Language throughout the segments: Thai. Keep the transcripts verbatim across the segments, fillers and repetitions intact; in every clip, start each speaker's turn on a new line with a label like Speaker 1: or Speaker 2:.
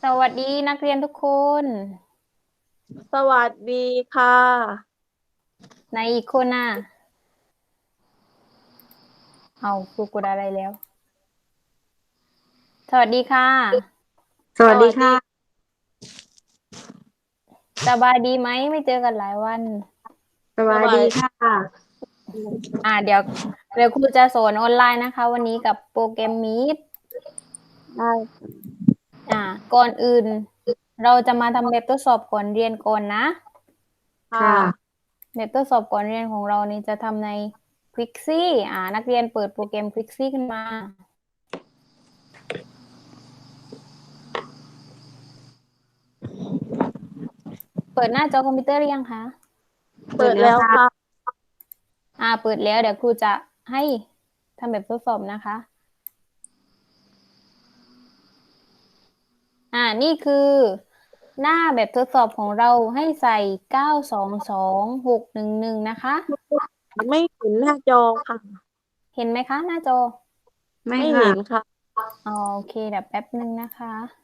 Speaker 1: สวัสดีนักเรียนทุกคน
Speaker 2: สวัสดีค่ะ
Speaker 1: ในอีกคนน่ะเอาครูกดอะไรแล้ว สวัสดีค่ะ
Speaker 2: สวัสดีค่ะ
Speaker 1: สบายดีไหมไม่เจอกันหลายวัน
Speaker 2: สบายดีค่ะ
Speaker 1: อ่าเดี๋ยวเดี๋ยวครูจะสอนออนไลน์นะคะ วันนี้กับโปรแกรม Meet
Speaker 2: ได้
Speaker 1: อ่าก่อนอื่น เราจะมาทำแบบทดสอบก่อนเรียนก่อนนะ
Speaker 2: ค่ะ
Speaker 1: แบบทดสอบก่อนเรียนของเรานี่จะทำใน Quixie อ่านักเรียนเปิดโปรแกรม Quixie ขึ้นมา เปิดหน้าจอคอมพิวเตอร์หรือยังคะ
Speaker 2: เปิดแล้วค่ะ
Speaker 1: อ่าเปิดแล้วเดี๋ยวครูจะให้ทำแบบทดสอบนะคะ อ่านี่คือหน้าแบบทดสอบของเราให้ใส่เก้าสองสองหกหนึ่งหนึ่งนะคะ
Speaker 2: ไม่เห็นหน้าจอค่ะ
Speaker 1: เห็นไหมคะหน้าจอ
Speaker 2: ไม่เห็นค่ะ
Speaker 1: อ๋อโอเคเดี๋ยวแป๊บหนึ่งนะคะ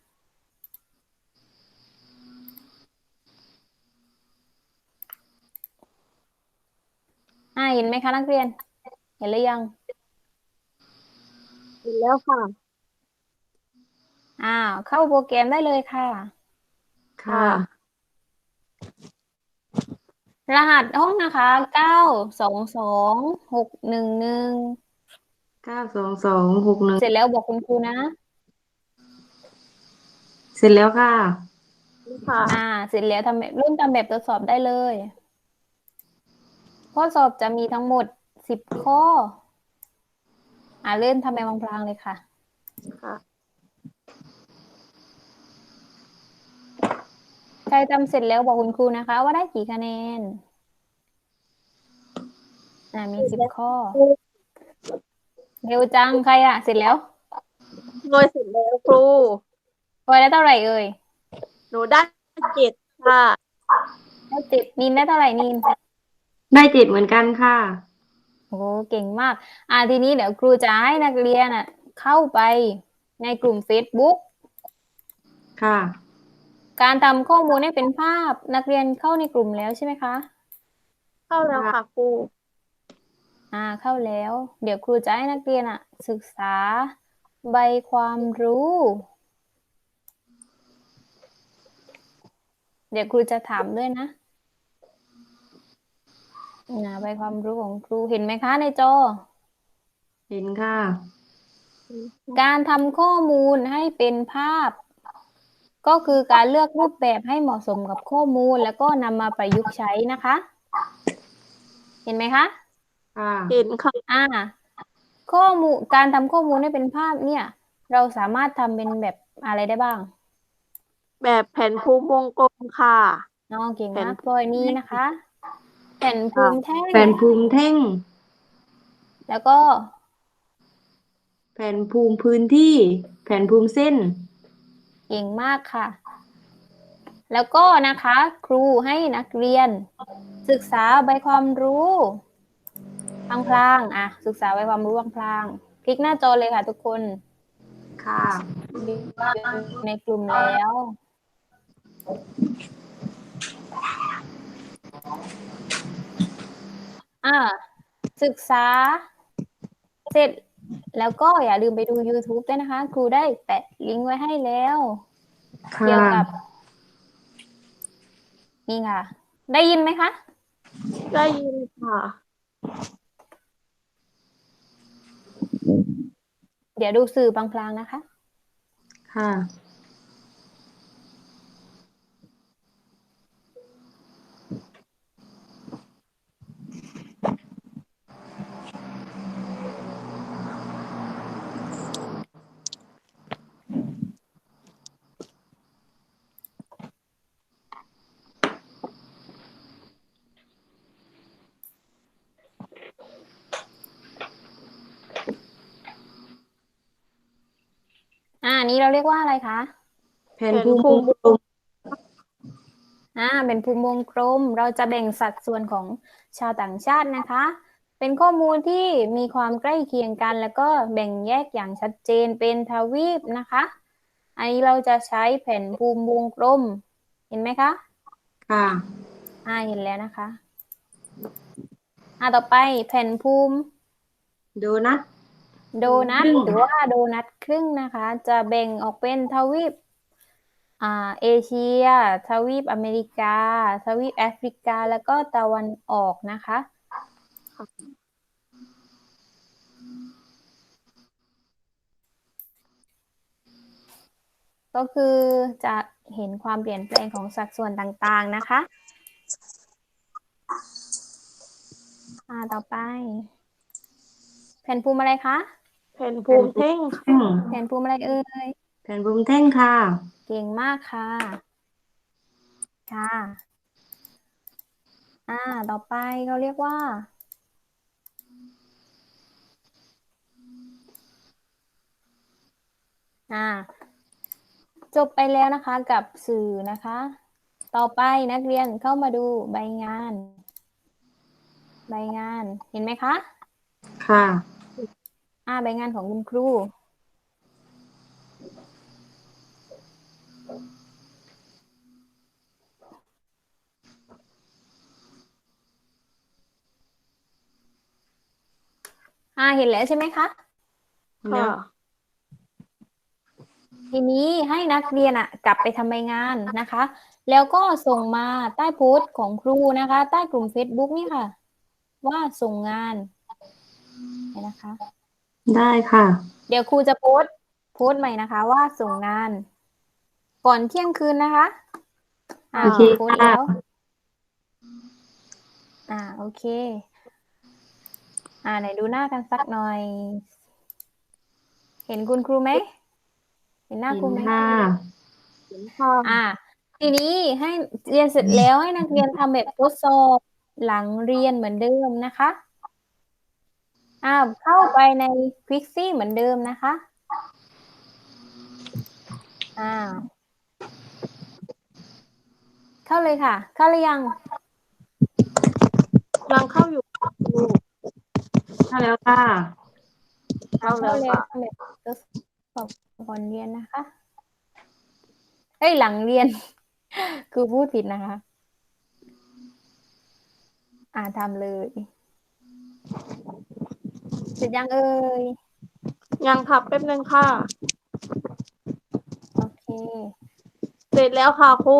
Speaker 1: อ่าเห็นไหมคะนักเรียน เห็นหรือยัง
Speaker 2: เห็นแล้วค่ะ
Speaker 1: อ่าเข้าโปรแกรมได้เลยค่ะ
Speaker 2: ค่ะ
Speaker 1: รหัสห้องนะคะเก้าสองสองหกหนึ่งหนึ่ง
Speaker 2: เก้าสองสองหกหนึ่ง
Speaker 1: เสร็จแล้วบอกคุณครูนะ
Speaker 2: เสร็จแล้วค่ะค่ะ
Speaker 1: อ่าเสร็จแล้วทำแบบเริ่มทำแบบทดสอบได้เลยข้อสอบจะมีทั้งหมดสิบข้ออ่าเริ่มทำแบบพลางๆเลยค่ะ
Speaker 2: ค่ะ
Speaker 1: ใครทำเสร็จแล้วบอกคุณครูนะคะว่าได้กี่คะแนนอ่ามีสิบข้อเร็วจังใครอะเสร็จแล้ว
Speaker 2: โดยเสร็จแล้วครู
Speaker 1: พลอยได้เท่าไหร่เอ่ย
Speaker 2: หนูได้เจ็ดค่ะ
Speaker 1: ได้เจ็ดนินได้เท่าไหร่นิน
Speaker 2: ได้เจ็ดเหมือนกันค่ะ
Speaker 1: โอ้เก่งมากอ่าทีนี้เดี๋ยวครูจะให้นักเรียนอ่ะเข้าไปในกลุ่ม Facebook
Speaker 2: ค่ะ
Speaker 1: การทำข้อมูลให้เป็นภาพนักเรียนเข้าในกลุ่มแล้วใช่ไหมคะ
Speaker 2: เข้าแล้วค่ะครู
Speaker 1: อ่าเข้าแล้วเดี๋ยวครูจะให้นักเรียนอ่ะศึกษาใบความรู้เดี๋ยวครูจะถามด้วยนะนะใบความรู้ของครูเห็นไหมคะในจอ
Speaker 2: เห็นค่ะ
Speaker 1: การทำข้อมูลให้เป็นภาพก็คือการเลือกรูปแบบให้เหมาะสมกับข้อมูลแล้วก็นำมาประยุกต์ใช้นะคะเห็นไหมคะ
Speaker 2: ค่ะเห็นค่ะ
Speaker 1: อ่าข้อมูลการทำข้อมูลให้เป็นภาพเนี่ยเราสามารถทำเป็นแบบอะไรได้บ้าง
Speaker 2: แบบแผ่นภูมิวงกลมค่ะ
Speaker 1: น้องเก่ง
Speaker 2: แผ่น
Speaker 1: มากพลอยนี้นะคะแผ่นภู
Speaker 2: ค่ะ
Speaker 1: มิแท่ง
Speaker 2: แผ่นภูมิแท่ง
Speaker 1: แล้วก็
Speaker 2: แผ่นภูมิพื้นที่แผ่นภูมิเส้น
Speaker 1: เก่งมากค่ะ แล้วก็นะคะครูให้นักเรียนศึกษาใบความรู้พลางๆอ่ะศึกษาใบความรู้พลางๆคลิกหน้าจอเลยค่ะทุกคน
Speaker 2: ค่ะ
Speaker 1: ในกลุ่มแล้วอ่าศึกษาเสร็จแล้วก็อย่าลืมไปดู YouTube ด้วยนะคะครูได้แปะลิงก์ไว้ให้แล้ว
Speaker 2: ค่
Speaker 1: เกี่ยวกับ
Speaker 2: ะ
Speaker 1: นี่ค่ะ ได้ยินไหมคะ
Speaker 2: ได้ยินค่ะ
Speaker 1: เดี๋ยวดูสื่อพลางๆนะคะ
Speaker 2: ค่ะ
Speaker 1: อ่านี้เราเรียกว่าอะไรคะ
Speaker 2: แผ่นแผ่นภูมิภูมิวงกลม
Speaker 1: อ่าเป็นภูมิวงกลมเราจะแบ่งสัดส่วนของชาวต่างชาตินะคะ เป็นข้อมูลที่มีความใกล้เคียงกันแล้วก็แบ่งแยกอย่างชัดเจนเป็นทวีปนะคะอันนี้เราจะใช้แผ่นภูมิวงกลม เห็นไหมคะ
Speaker 2: ค่ะ
Speaker 1: อ่าเห็นแล้วนะคะอ่าต่อไปแผ่นภูมิ
Speaker 2: โดนัท
Speaker 1: โดนัท
Speaker 2: ครึ่ง
Speaker 1: หรือว่าโดนัทครึ่งนะคะ จะแบ่งออกเป็นทวีปอ่าเอเชีย ทวีปอเมริกา ทวีปแอฟริกา แล้วก็ตะวันออกนะคะ ก็คือจะเห็นความเปลี่ยนแปลงของสัดส่วนต่างๆนะคะอ่าต่อไป แผ่นภูมิอะไรคะ
Speaker 3: แผ่นภูมิแท่งค่ะ
Speaker 2: แท่ง
Speaker 1: แผ่นภูมิอะไรเอ่ย
Speaker 2: แผ่นภูมิแท่งค่ะ
Speaker 1: เก่งมากค่ะ ค่ะ อ่า ต่อไปเขาเรียกว่า อ่า จบไปแล้วนะคะกับสื่อนะคะ ต่อไปนักเรียนเข้ามาดูใบงาน ใบงาน เห็นไหมคะ
Speaker 2: ค่ะ
Speaker 1: อ่า ใบงานของคุณครู อ่า เห็นแล้วใช่ไหมคะ
Speaker 3: ค่ะ
Speaker 1: ทีนี้ให้นักเรียนอ่ะกลับไปทำใบงานนะคะ แล้วก็ส่งมาใต้โพสต์ของครูนะคะ ใต้กลุ่ม Facebook นี่ค่ะ ว่าส่งงานเห็นนะคะ
Speaker 2: ได้ค่ะ
Speaker 1: เดี๋ยวครูจะโพสต์โพสต์ใหม่นะคะ ว่าส่งงาน ก่อนเที่ยงคืนนะคะ อ่า
Speaker 2: โอเค
Speaker 1: โพสต์
Speaker 2: ค่ะ
Speaker 1: แล้ว อ่า โอเค อ่าไหนดูหน้ากันสักหน่อย เห็นคุณครูไหม เห็นหน้า
Speaker 2: เห็
Speaker 1: ครู
Speaker 2: น
Speaker 1: ไหม
Speaker 2: ค่ะ
Speaker 3: เห็นค่ะ
Speaker 1: อ่า ทีนี้ให้เรียนเสร็จแล้วให้นักเรียนทำแบบทดสอบหลังเรียนเหมือนเดิมนะคะอ่าเข้าไปใน Quizzy เหมือนเดิมนะคะอ่าเข้าเลยค่ะ เข้าหรือยัง
Speaker 3: ยังเข้าอยู่ครู
Speaker 2: เข้าแล้วค่ะ
Speaker 1: อ่า
Speaker 3: เข้า
Speaker 1: เข้า
Speaker 3: แล้ว
Speaker 1: แล้ว
Speaker 3: ค่ะ
Speaker 1: ทำแบบทดสอบก่อนเรียนนะคะเอ้ยหลังเรียน คือพูดผิดนะคะ อ่าทำเลย เสร็จยังเอ่ย
Speaker 3: ยังทับแป๊บนึงค่ะ
Speaker 1: โอเค
Speaker 3: เสร็จแล้วค่ะครู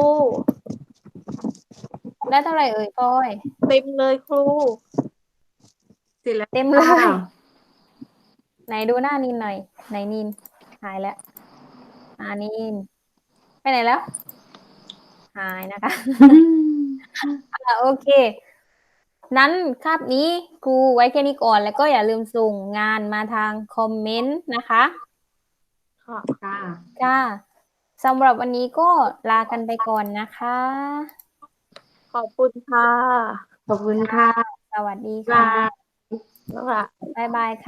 Speaker 1: ได้เท่าไหร่เอ่ยปอย
Speaker 3: เต็มเลยครู
Speaker 2: เสร็จแล้ว
Speaker 1: เต็มเล
Speaker 2: ค่ะ
Speaker 1: ย ไหนดูหน้านินหน่อย ไหนนิน หายแล้ว อ่านิน ไปไหนแล้ว หายนะคะ อ่าโอเค นั้นคาบนี้ครูไว้แค่นี้ก่อน แล้วก็อย่าลืมส่งงานมาทางคอมเมนต์นะคะ
Speaker 3: ค่ะ
Speaker 2: ค่ะ
Speaker 1: ค่ะสำหรับวันนี้ก็ลากันไปก่อนนะคะ
Speaker 3: ขอบคุณค่ะ
Speaker 2: ขอบคุณค่ะ
Speaker 1: สวัสดี
Speaker 2: บ๊าย
Speaker 1: ค่ะ
Speaker 2: บาย
Speaker 3: แล้วค่ะ
Speaker 1: บ๊ายบายค่ะ